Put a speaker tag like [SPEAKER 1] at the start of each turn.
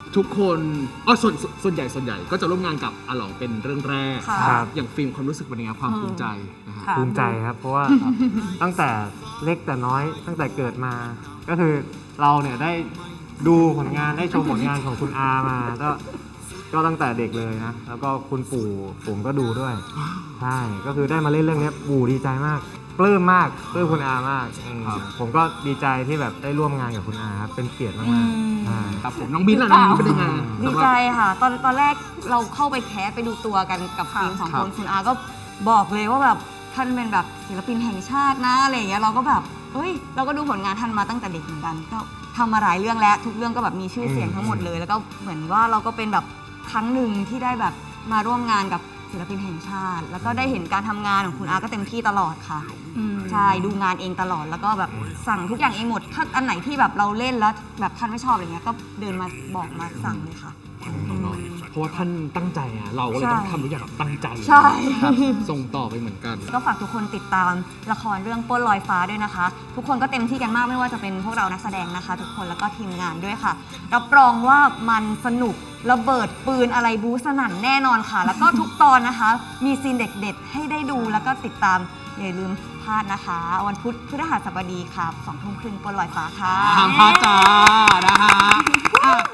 [SPEAKER 1] ทุกคนส่วนใหญ่ก็จะร่วมงานกับอาหลองเป็นเรื่องแรกอย่างฟิล์มความรู้สึกเป็นยังไงความภูมิใจนะฮะ
[SPEAKER 2] ภูมิใจครับเพราะว่าตั้งแต่เล็กแต่น้อยตั้งแต่เกิดมาก็คือเราเนี่ยได้ดูผลงานได้ชมผลงานของคุณอามาก็ตั้งแต่เด็กเลยนะแล้วก็คุณปู่ผมก็ดูด้วยใช่ก็คือได้มาเล่นเรื่องนี้ปู่ดีใจมากปลื้มมากปลื้มคุณอามากผมก็ดีใจที่แบบได้ร่วมงานกับคุณอาครับเป็นเกียรติมากๆ
[SPEAKER 1] ครับผมน้องมิ้นท์ล่ะน้องมิ้นท์เป็นยังไง
[SPEAKER 3] ดีใจค่ะตอนแรกเราเข้าไปแคสไปดูตัวกันกับฟิล์ม2 คนคุณอาก็บอกเลยว่าแบบท่านเป็นแบบศิลปินแห่งชาตินะอะไรอย่างเงี้ยเราก็แบบเฮ้ยเราก็ดูผลงานท่านมาตั้งแต่เด็กเหมือนกันก็ทำมาหลายเรื่องแล้วทุกเรื่องก็แบบมีชื่อเสียงทั้งหมดเลยแล้วก็เหมือนว่าเราก็เป็นแบบครั้งหนึ่งที่ได้แบบมาร่วมงานกับศิลปินแห่งชาติแล้วก็ได้เห็นการทำงานของคุณอาก็เต็มที่ตลอดค่ะใช่ดูงานเองตลอดแล้วก็แบบสั่งทุกอย่างเองหมดถ้าอันไหนที่แบบเราเล่นแล้วแบบท่านไม่ชอบอะไรเงี้ยก็เดินมาบอกมาสั่งเลยค่ะ
[SPEAKER 1] เพราะว่าท่านตั้งใจอะเราก็เลยต้องทำทุกอย่างตั้งใจ
[SPEAKER 3] ใช่
[SPEAKER 1] ส่งต่อไปเหมือนกัน
[SPEAKER 3] ก็ฝากทุกคนติดตามละครเรื่องปล้นลอยฟ้าด้วยนะคะทุกคนก็เต็มที่กันมากไม่ว่าจะเป็นพวกเรานักแสดงนะคะทุกคนแล้วก็ทีมงานด้วยค่ะรับรองว่ามันสนุกระเบิดปืนอะไรบู๊สนั่นแน่นอนค่ะแล้วก็ทุกตอนนะคะมีซีนเด็ดๆให้ได้ดูแล้วก็ติดตามอย่าลืมพลาดนะคะวันพุธพฤหัสบดีค่ะ 20:30 ปล้นลอยฟ้าค่ะ
[SPEAKER 1] ห้ามพลาดจ้านะฮะ